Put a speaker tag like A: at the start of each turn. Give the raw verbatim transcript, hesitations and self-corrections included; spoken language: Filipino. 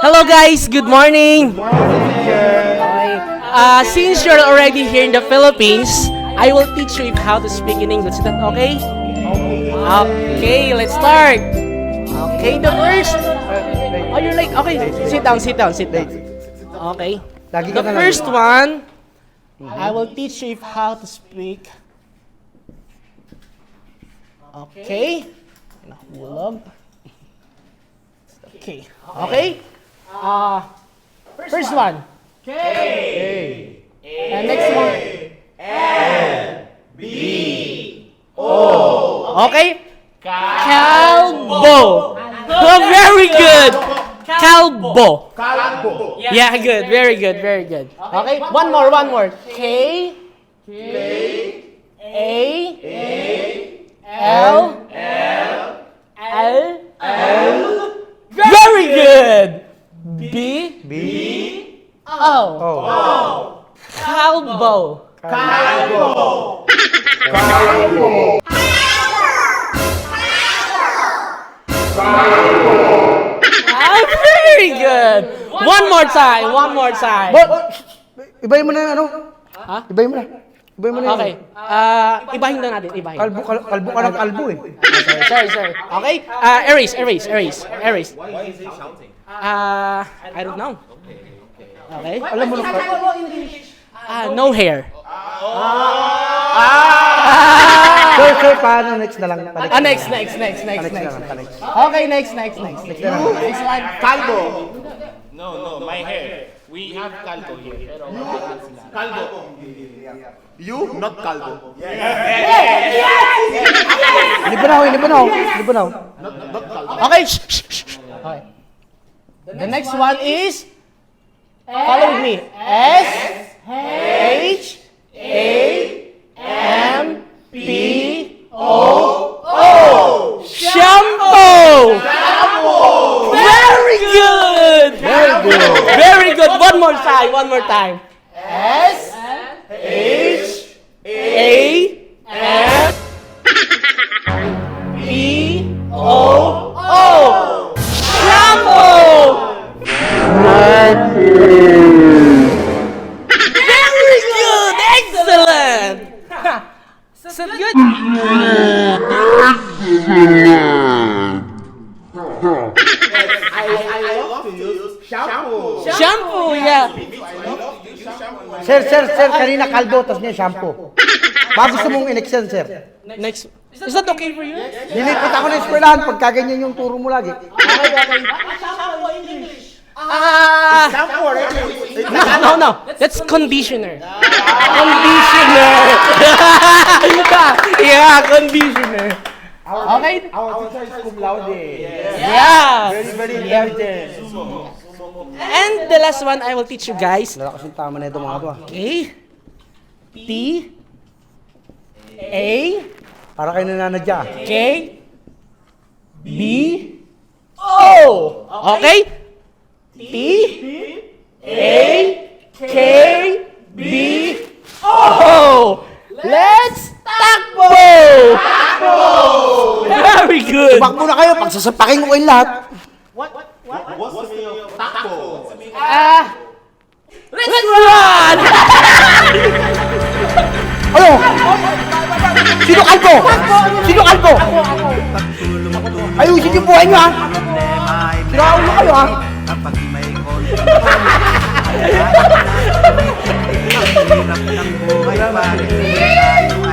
A: Hello guys, good morning. Okay. Uh, since you're already here in the Philippines, I will teach you how to speak in English. Is that okay? Okay, let's start. Okay, the first. Oh, you're like, okay, sit down, sit down, sit down. Okay. The first one, I will teach you how to speak. Okay. Nahulog. Okay. Okay. Uh, first one. K. And next one. L. B. O. Okay. Calbo. Oh, very good. Calbo.
B: Calbo.
A: Yeah, good. Very good. Very good. Okay. One more. One more. K.
B: K.
A: A.
B: A.
A: L.
B: L.
A: L.
B: L.
A: Very good. B.
B: B.
A: O.
B: O.
A: Calbo.
B: Calbo. Calbo.
A: Ah, very good. One more time. One more time.
C: Ibahin mo na yung ano?
A: Ha?
C: Ibahin mo na. Ibahin mo na yung
A: Okay. Ah, ibahin na natin. Ibahin.
C: kalbo, kal- kalbo ka ng kalbo eh.
A: Sorry, sorry. Okay. Ah, erase, erase, erase, erase.
B: Why is he shouting?
A: Ah, I don't know. Okay.
C: Alam mo na,
A: Ah, no hair.
C: sir, sir, paano next na lang? Panext
A: Ah,
C: na
A: next,
C: lang.
A: next, next, next,
C: Panext na
A: next.
C: lang, panext.
A: Okay, next, next, next.
C: Next na lang.
A: Next one.
B: Calbo.
D: No, no, my hair. We have calco here. Pero
B: Calbo. You, not Calbo.
C: Libanaw, libanaw, libanaw.
A: Okay. Shh, shh, shh, shh. Okay. The next one is, follow with me. S H A M P O O. Shampoo. Very good.
C: Very good.
A: Very good. One more time. One more time. S H A M P O O. Shampoo. Very good. Excellent. Is that good?
B: I, I love to use shampoo.
A: Shampoo, yeah.
B: I love to use shampoo.
C: Sir, sir, sir, kanina kalbo, tapos niya shampoo. Baka gusto mong in-extend, sir.
A: Next. Is that okay for you?
C: Nilipit ako ng eskwelahan pag kaganyan yung turo mo lagi.
A: Okay, okay. Ah,
B: Shampoo, right?
A: no, no, no. That's conditioner. Conditioner. Yeah, conditioner. Okay.
B: Our teacher is cum laude.
A: Yeah.
B: Very intelligent.
A: And the last one I will teach you guys.
C: Lalakas yung tama na ito mga to ah.
A: Okay. T A
C: Para kayo nananadya.
A: K B O. Okay? T A K B O. Let's takbo! Very good.
C: Bakbo na kayo, pagsasapakin ko kayong lahat.
B: What's the meaning of taco?
A: Ah, let's run!
C: Ano? Sino kalbo? Sino kalbo? Ayusin yung buhay nyo ha. Siraon mo kayo ha.
E: Kapag may konting hirap ng buhay pa rin tayo